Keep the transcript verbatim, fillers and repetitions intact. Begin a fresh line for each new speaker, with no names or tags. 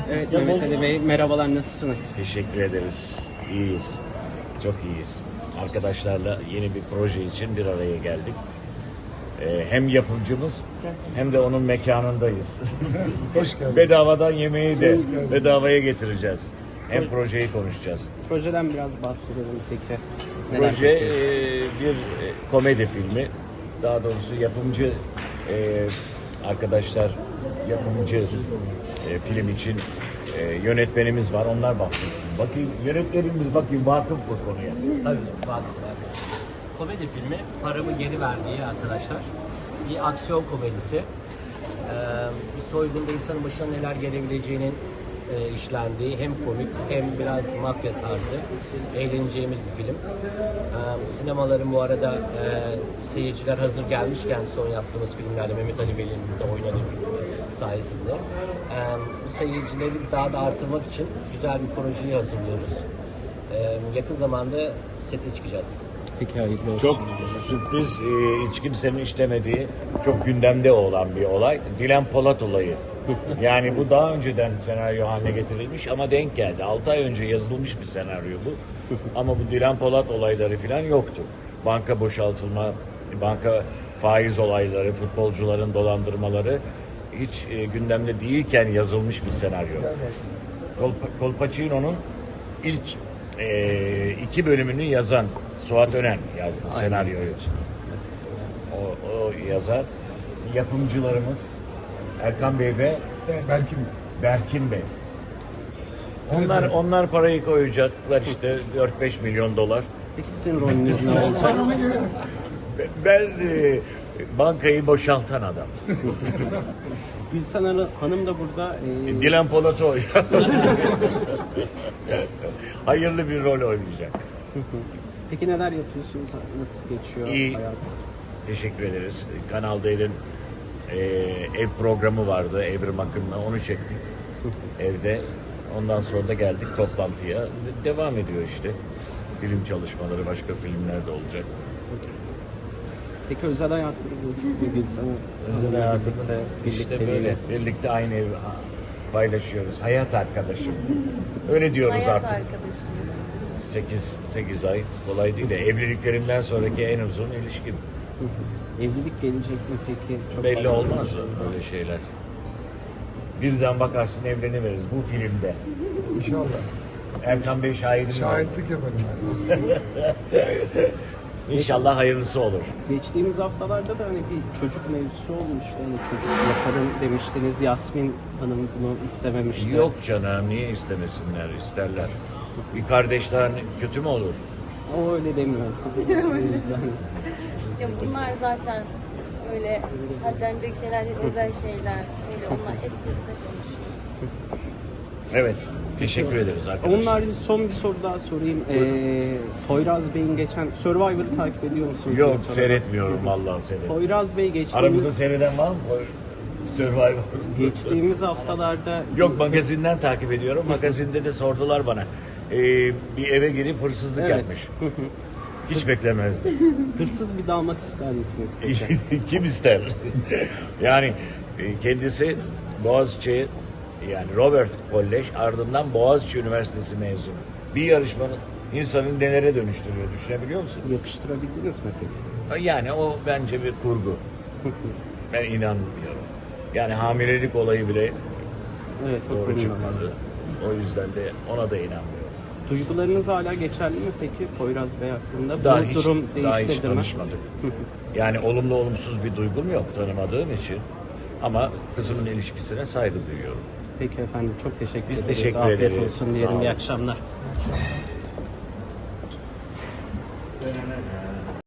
Evet Mehmet Ali Bey, merhabalar, nasılsınız?
Teşekkür ederiz. İyiyiz. Çok iyiyiz. Arkadaşlarla yeni bir proje için bir araya geldik. Ee, hem yapımcımız hem de onun mekanındayız.
Hoş geldin.
Bedavadan yemeği de
Hoş geldin.
bedavaya getireceğiz. Hem projeyi konuşacağız.
Projeden biraz bahsedelim peki. Neler
Proje
yapıyorsunuz?
e, bir e, komedi filmi. Daha doğrusu yapımcı e, arkadaşlar yapımcı e, film için e, yönetmenimiz var. Onlar bahsetsin. Bakayım yönetmenimiz bakayım vakıf bu konuya.
Tabii var. Komedi filmi Paramı Geri Ver diye arkadaşlar. Bir aksiyon komedisi. Ee, bir soygunda insanın başına neler gelebileceğinin e, işlendiği hem komik hem biraz mafya tarzı eğleneceğimiz bir film. Ee, sinemaların bu arada e, seyirciler hazır gelmişken son yaptığımız filmlerde Mehmet Ali Bey'in de oynadığı film sayesinde e, bu seyircileri daha da artırmak için güzel bir projeyi hazırlıyoruz. Ee, yakın zamanda sete çıkacağız.
Peki hayırlı olsun.
Çok sürpriz, e, hiç kimsenin işlemediği, çok gündemde olan bir olay. Dilan Polat olayı. Yani bu daha önceden senaryo haline getirilmiş ama denk geldi. altı ay önce yazılmış bir senaryo bu. Ama bu Dilan Polat olayları falan yoktu. Banka boşaltılma, banka faiz olayları, futbolcuların dolandırmaları hiç e, gündemde değilken yazılmış bir senaryo. Col, Colpacino'nun ilk e, iki bölümünü yazan Suat Önen yazdı senaryoyu. O, o yazar. Yapımcılarımız Erkan Bey ve
Berkin.
Berkin Bey. Onlar
Evet.
onlar parayı koyacaklar işte dört beş milyon dolar.
Peki sizin rolünüz ne olacak?
Paramı geri ver.
Ben e, bankayı boşaltan adam.
Gülsen Hanım- Hanım da burada. e,
Dilan Polat o. Hayırlı bir rol oynayacak.
Peki neler yapıyorsunuz? Nasıl geçiyor
İyi.
hayat?
Teşekkür ederiz. Kanal D'nin e, ev programı vardı. Evrim Akın'la onu çektik evde. Ondan sonra da geldik toplantıya. Devam ediyor işte. Film çalışmaları, başka filmler de olacak.
Peki özel hayatınız nasıl? Bir Gülsen Hanım-
Özel hayatımız
birlikte
işte böyle.
birlikteliğiniz.
Birlikte aynı evi paylaşıyoruz. Hayat arkadaşım. Öyle diyoruz
Hayat
artık.
arkadaşımız.
sekiz sekiz ay kolay değil de evliliklerimden sonraki en uzun ilişkim.
Hı hı. Evlilik gelecek mi peki? Çok
Belli
fazla-
olmaz öyle şeyler. Birden bakarsın evleniveririz bu filmde.
İnşallah.
Erkan Bey şahidim.
Şahitlik yaparım ben.
İnşallah hayırlısı olur.
Geçtiğimiz haftalarda da hani bir çocuk mevzusu olmuştu. Hani çocuk yaparım demiştiniz. Yasmin Hanım bunu istememişti.
Yok canım niye istemesinler isterler. Bir kardeşler kötü mü olur?
O öyle demiyor. O yüzden.
Ya bunlar zaten öyle haddenecek şeyler değil, özel şeyler. Öyle onlar esprisine konuşuyor.
Evet. Teşekkür ederiz arkadaşlar.
Onun harici son bir soru daha sorayım. Ee, Poyraz Bey'in geçen Survivor'ı takip ediyor musunuz?
Yok
diye soralım.
seyretmiyorum vallahi seyret.
Poyraz Bey geçtiğimiz,
Aramızda seyreden var mı? Survivor.
geçtiğimiz haftalarda
Yok magazinden takip ediyorum. Magazinde de sordular bana. Ee, bir eve girip hırsızlık
Evet.
yapmış. Hiç beklemezdim.
hırsız bir damat ister misiniz peki?
Kim ister? Yani e, kendisi Boğaziçi yani Robert Kolej ardından Boğaziçi Üniversitesi mezunu. Bir yarışmanın insanın nelere dönüştürüyor düşünebiliyor musun?
Yakıştırabildiniz mi peki?
Yani o bence bir kurgu. Ben inanmıyorum. Yani hamilelik olayı bile
Evet, çok
doğru
önemli.
çıkmadı. O yüzden de ona da inanmıyorum.
Duygularınız hala geçerli mi peki Poyraz Bey hakkında?
Daha
Bu
hiç,
durum
daha hiç
değişmedi mi?
tanışmadık. Yani olumlu olumsuz bir duygum yok tanımadığım için. Ama kızımın ilişkisine saygı duyuyorum.
Peki efendim, çok teşekkür
Biz
ederiz.
teşekkür
Afiyet
ederiz.
olsun
Sağ
diyelim.
olun.
İyi akşamlar.